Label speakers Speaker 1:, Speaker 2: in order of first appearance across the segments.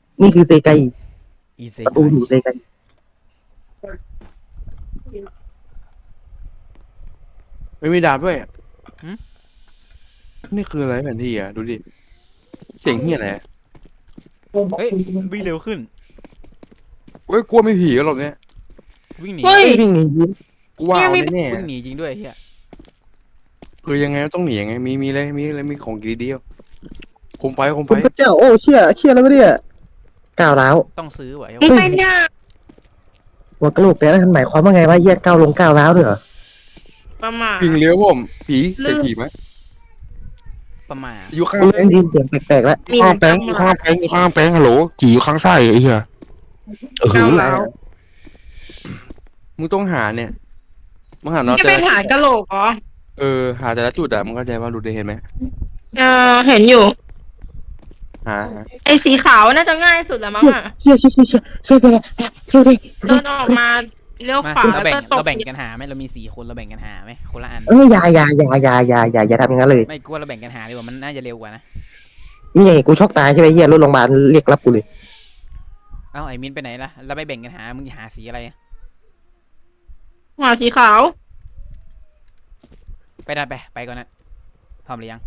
Speaker 1: นี่คือเซไก
Speaker 2: อีเซ
Speaker 1: ประตูอยู่เซไก
Speaker 3: ไม่มีดาบด้วยนี่คืออะไรแผนที่อ่ะดูดิเสียงเฮียอะไร
Speaker 2: เฮ้ยวิ่งเร็วขึ้น
Speaker 3: เว้ยกลัวไม่ผีกันหรอกเนี่ย
Speaker 2: วิ่งหนี
Speaker 4: เฮ้ย
Speaker 1: วิ่งหนี
Speaker 3: กูว่าเอาแน่
Speaker 2: วิ่งหนีจริงด้วยเฮีย
Speaker 3: ๆคือยังไงต้องหนียังไงมีอะไรมีของดีเดียวคมไฟ
Speaker 1: คุณพระเจ้าโอ้เชี่ยแล้ววะเนี่ยก้าวร้าว
Speaker 2: ต้องซื้อไว้
Speaker 4: มึงไปเนี่ย
Speaker 1: หัวกระโหลกแต่นั่นหมายความว่าไงว่าเหี้ยก้าวลงก้าวร้าวด้วยเหรอ
Speaker 4: ประมาท
Speaker 3: วิ่งเลี้ยวผมผีเสียงผีไหม
Speaker 2: ประมาณ
Speaker 3: อยู่ข้าง
Speaker 1: กู
Speaker 3: แป้
Speaker 1: เริ่
Speaker 3: ง
Speaker 1: มได้ยินเสียงแปลกๆแล้ว
Speaker 4: มี
Speaker 3: ข้างแป้งอยู่ข้างแป้งอยู่ข้างแป้งฮัลโหลผีอยู่ข้างไส้ไอ้เหี้ย
Speaker 4: ก้าวร้าว
Speaker 3: มึงต้องหาเนี่ยมึงหาน็อต
Speaker 4: จะ
Speaker 3: แต่
Speaker 4: เป็น
Speaker 3: ละ
Speaker 4: หากะโหลกเหรอ
Speaker 3: หาแต่ละจุดอะมึงเข้าใจว่าดูได้เห็นไหม
Speaker 4: เห็นอยู่
Speaker 3: หา
Speaker 4: ไอ้สีขาวน่าจะง่ายสุดแล้วมั้งอ่ะ
Speaker 1: เชี่ยช่วยไปช่วยไป
Speaker 4: เดินออกมาเลี้ยว
Speaker 2: มา
Speaker 4: ขวา
Speaker 2: เรา
Speaker 4: แล้ว
Speaker 2: แบ่ง
Speaker 4: ก็ต
Speaker 2: เรา
Speaker 4: ก
Speaker 2: แบ่งกันหาไหมเรามี4 คนเราแบ่งกันหาไหมคนละอัน
Speaker 1: อย่าทำอย่างนั้นเลย
Speaker 2: ไม่กลัวเราแบ่งกันหาดีกว่ามันน่าจะเร็วกว่านะ
Speaker 1: นี่ไงกูช็อกตายใช่ไหมเหี้ยรถโรงพยาบาลเรียกรับกูเลย
Speaker 2: เอ้าไอ้มินไปไหนล่ะเราไปแบ่งกันหามึงหาสีอะไร
Speaker 4: หัวสีขาว
Speaker 2: ไปได้ไปก่อนนะพร้อมหรือยัง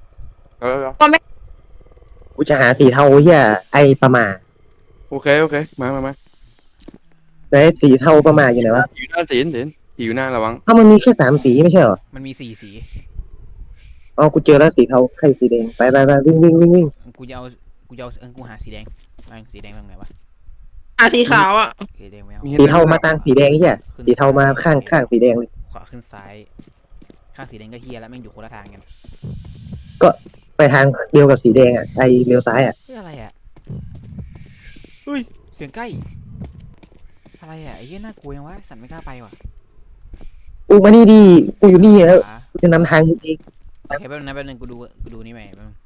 Speaker 1: กูจะหาสีเทาเหี้ยไอประมา
Speaker 3: โอเคมา
Speaker 1: ไหนสีเทาประมาอยู่ไหนวะ
Speaker 3: ผีอยู่หน้าเห็นผีอยู่หน้าระวัง
Speaker 1: ถ้ามันมีแค่3 สีไม่ใช่เหรอ
Speaker 2: มันมี4 สี
Speaker 1: อ๋อกูเจอแล้วสีเทาใครสีแดงไปวิ่ง
Speaker 2: กูจะเอากูหาสีแดงสีแดงตรงไหนวะ
Speaker 4: หาสีขาวอ่ะ
Speaker 2: สีแดงไม่เอา
Speaker 1: สีเทามาตั้งสีแดงเหี้ยสีเทามาข้างสีแดงเลย
Speaker 2: ขวาขึ้นซ้ายข้างสีแดงก็เฮียแล้วแม่งอยู่คนละทางกัน
Speaker 1: ไปทางเดียวกับสีแดงอ่ะไอเลี้ยวซ้ายอ่ะ
Speaker 2: เฮ้ยอะไรอ่ะเฮ้ยเสียงใกล้อะไรอ่ะไอ้เหี้ยน่ากลัวยังวะสันไม่กล้าไปว่ะ
Speaker 1: กูมานี่ดีกูอยู่นี่แล้ว
Speaker 2: ขวา
Speaker 1: กูจะนำทางจริง
Speaker 2: โอเคแป๊บนึงกูดูนี่ใหม่แป๊บนึง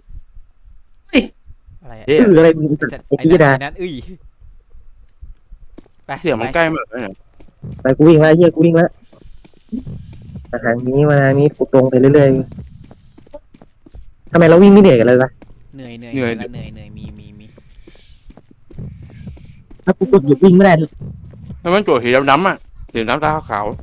Speaker 2: อะไรอ่ะ
Speaker 3: เฮ้ย
Speaker 1: อะไรมึงสัต
Speaker 2: สัต
Speaker 1: ว์
Speaker 2: ว์
Speaker 1: ไอ้
Speaker 2: ไอ้
Speaker 1: พี่ดา
Speaker 2: นั่นไป
Speaker 3: เสียงมันใกล้มากเลยเนี่ย
Speaker 1: ไปกูวิ่งแล้วเหี้ยกูวิ่งแล้วมาทางนี้กูตรงไปเรื่อยๆทำไมเราวิ่งไม่เหนื่อยกันเลยวะ
Speaker 2: เหนื่อยมี
Speaker 1: ถ้ากูกดหยุดวิ่งไม่ได้ดิ
Speaker 3: แล้วมันโจทย์สีดำๆอ่ะสีดำตาขาว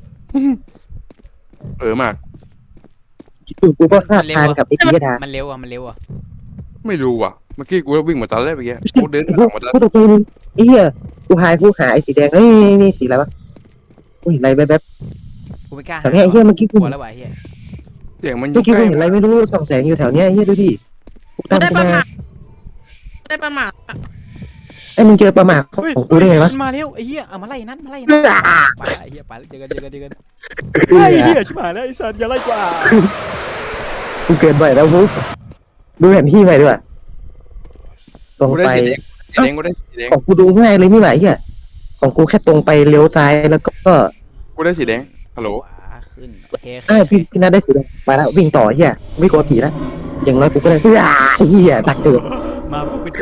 Speaker 3: มาก
Speaker 1: กูก็คาดทางกับไอ้พี่ดา
Speaker 2: มันเร็วอ่ะ
Speaker 3: ไม่รู้ว่ะเมื่อกี้กูวิ่งมาตอนแรกเมื่อกี้กูเดินหลังมาตอน
Speaker 1: กูตกใจนึงไอ้เหี้ยกูหาไอ้สีแดงเฮ้ยนี่สีอะไรวะกูเห็นอะไรแบบ
Speaker 2: กูไม่กล้า
Speaker 1: แต่เนี่ยไอ้เหี้ยเมื่อกี้
Speaker 2: ก
Speaker 1: กู
Speaker 2: ลัวแล้วว่ะไอ้เหี้ย
Speaker 3: เสียงมันอ
Speaker 1: เมื่
Speaker 3: ยู่
Speaker 1: อกี้
Speaker 3: ใก
Speaker 1: กู
Speaker 3: ล้
Speaker 1: เห็นอะไรไม่รู้ส่องแสงอยู่แถวเนี้ยไอ้เหี้ยดูดิกู
Speaker 4: กู
Speaker 1: ตั้ง
Speaker 4: ได้
Speaker 1: ขึ้น
Speaker 4: ประ
Speaker 1: มา
Speaker 4: มาทได้ประมาทอะ
Speaker 1: ไอ้มึงเจอประมาทของกูได้ไงวะ
Speaker 2: มันมาเร็วไอ้เหี้ยเอามาไล่นั่น
Speaker 1: เออ
Speaker 2: ไปไอ้เหี้ยไปเจอกันไอ้เหี้ยชิบหายแล้วไอ้สัตว์อย่าไล่กว่า
Speaker 1: กูเกินไปแล้วบุ๊กดูแผนที่ไปด้วยตรง
Speaker 3: กูได้
Speaker 1: ไป
Speaker 3: สีแดงกูได้สีแดง
Speaker 1: ของกูดูง่ายเลยไม่ไหวเหี้ยของกูแค่ตรงไปเลี้ยวซ้ายแล้วก็
Speaker 3: กูได้สีแดงฮัลโหล
Speaker 2: ขวาขึ้นโอเค
Speaker 1: พี่นัทได้สีแดงไปแล้ววิ่งต่อเหี้ยไม่กลัวผีแล้วอย่างน้อยกูก็ได้เหี้ยดักเกิด
Speaker 2: มาปุ๊บไป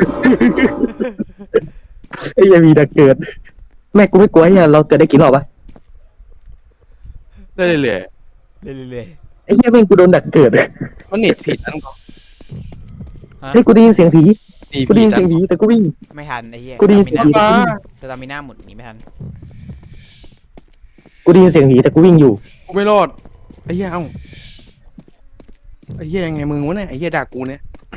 Speaker 1: ไอ้เหี้ยมีดักเกิดแม่กูไม่กลัวเหี้ยเราเกิดได้กี่รอบวะ
Speaker 3: ได้เลย
Speaker 2: เรื่อย
Speaker 1: ไอ้เหี้ยแม่งกูโดนดักเกิด
Speaker 3: มันเน็ตผิดนั่นก็
Speaker 1: เฮ้ยกูได้ยินเสียงผี
Speaker 3: นี่
Speaker 1: กูได้
Speaker 3: ผิ
Speaker 1: ยิ
Speaker 3: ด
Speaker 1: นเสียงผีแต่กูวิ่ง
Speaker 2: ๆไม่ทันไอ้เหี้ย
Speaker 1: กูได้ยินเสียงผี
Speaker 2: แต่ตามีหน้าหมดหนีไม่ทัน
Speaker 1: กูได้ยินเสียงผีแต่กูวิ่งอยู่
Speaker 3: กูไม่รอดไอ้เหี้ยเอ้าไอ้เหี้ยยังไงมึงวะเนี่ยไอ้เหี้ยด่ากูเนี่ย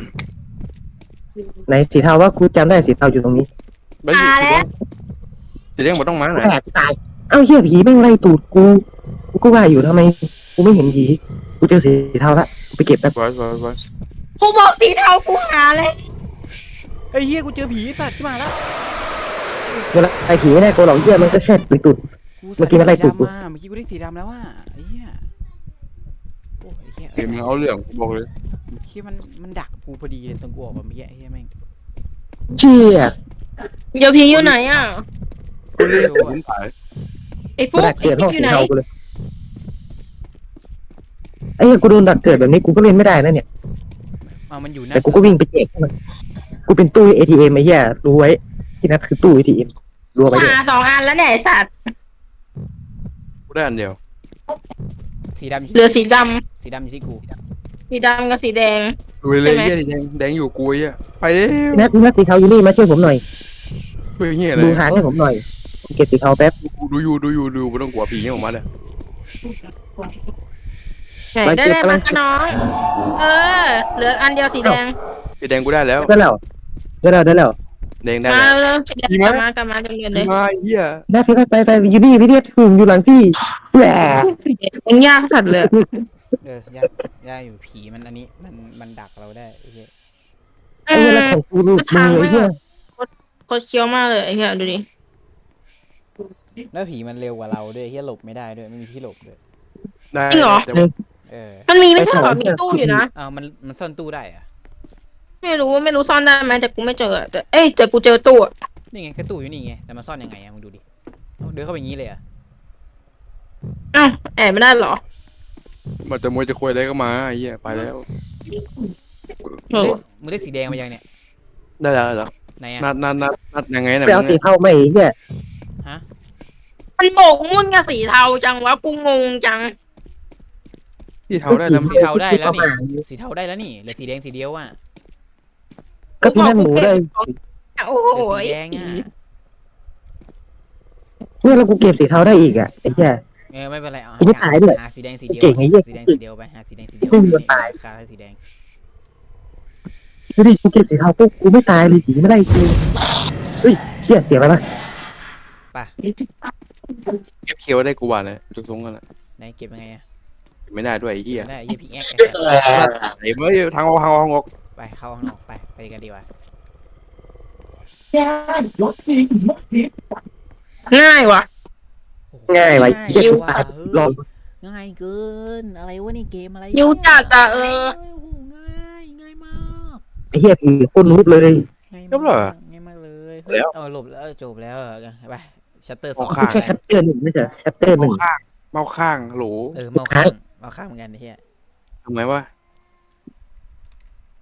Speaker 1: ไหนสีเทาว่ากูจำได้สีเทาอยู่ตรงนี้
Speaker 3: ไปอยู่สีแดงมันต้องมา
Speaker 1: กู
Speaker 3: ไหน
Speaker 1: แหกตายเอ้าเหี้ยผีแม่งไล่ตูดกูก็ว่าอยู่ทำไมกูไม่เห็นผีกูเจอสีเทาละกูไปเก็บแป๊บ
Speaker 3: ไว้
Speaker 4: กูบอกสีเทากูหาเลย
Speaker 2: ไอ้เหี้ยกูเจอผีสัตว์ชิบหายแล้ว
Speaker 1: เวลาไอ้ผีไม่ได้กูหรอกเหี้ยมันก็แค่ตุยตุด เมื่อกี้มันไล่ตูดกู
Speaker 2: เมื่อกี้กูได้สีดำแล้วว่ะไอ้เหี้ยโอ้ยไอ้เหี้ย
Speaker 3: เกมเอาเรื่องกูบอกเลย
Speaker 2: เหี้ยมันดักกูพอดีเลยตรงกูออกมาเมื่อกี้ไอ้เหี้ยแม่ง
Speaker 1: เชี่ย
Speaker 4: เดี๋ยวผีอยู่ไหนอ่ะ
Speaker 3: กูเล่นผมถ่าย
Speaker 4: ไอ้ฟุ
Speaker 1: กู
Speaker 4: ก
Speaker 1: ดัก
Speaker 4: ไอ้
Speaker 1: เกิดห้อง
Speaker 4: ฟุกอ
Speaker 1: สี
Speaker 4: ยู่ไหน
Speaker 1: เทากูเลยไอ้เหี้ยกูโดนดักเกิดแบบนี้กูก็เล่นไม่ได้นะเนี่ย
Speaker 2: เอามันอยู่หน้า
Speaker 1: แต่กูก็วิ่งไปแจกให้มันกูเป็นตู้ ATM ไอ้เหี้ยรู้ไว้ที่นั่นคือตู้ ATM รู้
Speaker 4: กู
Speaker 1: ไว้ด้วย
Speaker 4: หา2 อันแล้วเนี่ยไอ้สัตว์
Speaker 3: กูได้อันเดียว
Speaker 2: สีดำอยู่
Speaker 4: เหลือสีด
Speaker 2: สีดำอยู่ที่กู
Speaker 4: ำสีดำกับสีแดง
Speaker 3: ดูเลยเหี้ยแดงอยู่กูไอ้เหี้ยไปเร็ว
Speaker 1: พี่นัทสีเทาอยู่นี่มาช่วยผมหน่อย
Speaker 3: เฮ้ยเฮียอะไร
Speaker 1: ดูหางให้ผมหน่อยผมเก็บสีเทาแป๊บ
Speaker 3: ดูไม่ต้องกลัวผีออกมาเลย
Speaker 4: ไหนได้เลยมาคะน้อง เออ เหลืออันเดียวสีแดง
Speaker 3: สีแดงกูได้แล้ว
Speaker 1: ได้แล้วได้แล้ว
Speaker 3: แดงได้
Speaker 4: มา
Speaker 3: แล้ว
Speaker 4: เร็วๆสีแดง
Speaker 3: ดี
Speaker 4: ก
Speaker 3: ไหม
Speaker 4: ลับมเรียนเลย
Speaker 3: มาเฮีย
Speaker 1: พี่นัทไปอยู่นี่พี่เนียถูกอยู่หลังพี่แหว
Speaker 4: ยังยากสัตว์เลย
Speaker 2: ยากอยู่ผีมันอันนี้มันดักเราได้ไอ้เหี้ย
Speaker 1: ไอ้เรื่องของกูลูกมือไอ้เหี้ย
Speaker 4: โคตรเคี้ยวมากเลยไอ้เหี้ยดูดิ
Speaker 2: แล้วผีมันเร็วกว่าเราด้วยไอ้เหี้ยหลบไม่ได้ด้วยไม่มีที่หลบด้วย
Speaker 3: ได้
Speaker 4: จริงเหรอ
Speaker 3: แต่ว่า
Speaker 4: มันมีไม่ใช่เหรอมีตู้อยู่นะ
Speaker 2: อ้าวมันซ่อนตู้ได้อะ
Speaker 4: ไม่รู้ซ่อนได้ไหมแต่กูไม่เจออะแต่กูเจอตู้อะ
Speaker 2: นี่ไงก็ตู้อยู่นี่ไงแต่มันซ่อนยังไงอะมึงดูดิเอาเดินเข้าไปอย่างนี้เลยอะ
Speaker 4: อ้าวแอบไม่ได้เหรอ
Speaker 3: มันจะมวยจะคุยอะไรก็มาไอ้เหี้ยไปแล้ว
Speaker 4: เออ
Speaker 2: มึงได้สีแดงมายังเนี่ย
Speaker 3: ได้แล้วเหรอ
Speaker 2: ไหนอะ
Speaker 3: นัดยังไงนะ
Speaker 1: ไปเอาสีเทาไม่ไอ้เหี้ย
Speaker 4: มันโบกมุ่นกับสีเทาจังวะกูงงจัง
Speaker 3: ที่เท้าได้แล้ว
Speaker 2: สีเทาได้แล้วนี่สีเทาได้แล้วนี่เหลือสีแดงสีเดียวอะ
Speaker 1: ก็พี่นั่นหมูได้
Speaker 4: โอ้โห
Speaker 2: เหลือสีแดงอะ
Speaker 1: เนี่ยแล้วกูเก็บสีเทาได้อีกอ่ะไอ้เหี้ย
Speaker 2: ไม่เป็นไรเอา
Speaker 1: กูไม่ตายด้วย
Speaker 2: หาสีแดงสีเดียว
Speaker 1: เก่งไอ้เหี้ย
Speaker 2: สีแดงสีเดียวไปหาสีแดงสีเดียว
Speaker 1: ไม่มีวันตาย
Speaker 2: คาสีแดง
Speaker 1: ดูดิกูเก็บสีเทาปุ๊บกูไม่ตายเลยผีไม่ได้คิวเฮ้ยเหี้ยเสียไปละ
Speaker 3: เก็บเคียวได้กูว่าเลยจุกซงกันแหละ
Speaker 2: ไหนเก็บยังไงอะ
Speaker 3: ไม่ได้ด้วยไอ้เหี้ย
Speaker 2: ไม่ได้ไอ้เหี้ยพิกแอค
Speaker 3: ไอ้เมื่อทางออก
Speaker 2: ไปเข้าห้องออกไปกันดีกว่า
Speaker 4: ง่ายวะ
Speaker 2: โอ้โห
Speaker 1: ง่ายว่ะ
Speaker 4: ชิ
Speaker 1: เหี้ยว
Speaker 2: ว่ะ
Speaker 1: ลอง
Speaker 2: ง่ายเกินอะไรวะนี่เกมอะไร
Speaker 4: ยิวจัดอะโอ้
Speaker 2: โอ้โหง่ายมาก
Speaker 1: ไอ้เหี้ยผีโคตรรูปเลย
Speaker 2: ง่าย
Speaker 3: จบเหรอ
Speaker 2: ง่ายมากเลย
Speaker 3: แล้ว
Speaker 2: หลบแล้วจบแล้วไปชัตเตอร์ส
Speaker 3: เอา
Speaker 2: อง
Speaker 3: ข้าง
Speaker 1: แค่แคปเตอร์หนึ่งไม่ใช่แคปเตอร์หนึ่ง
Speaker 3: เมาข้างโหล
Speaker 2: เมาข้างเหมือนกันไอ้เหี้ย
Speaker 3: ทำไมวะ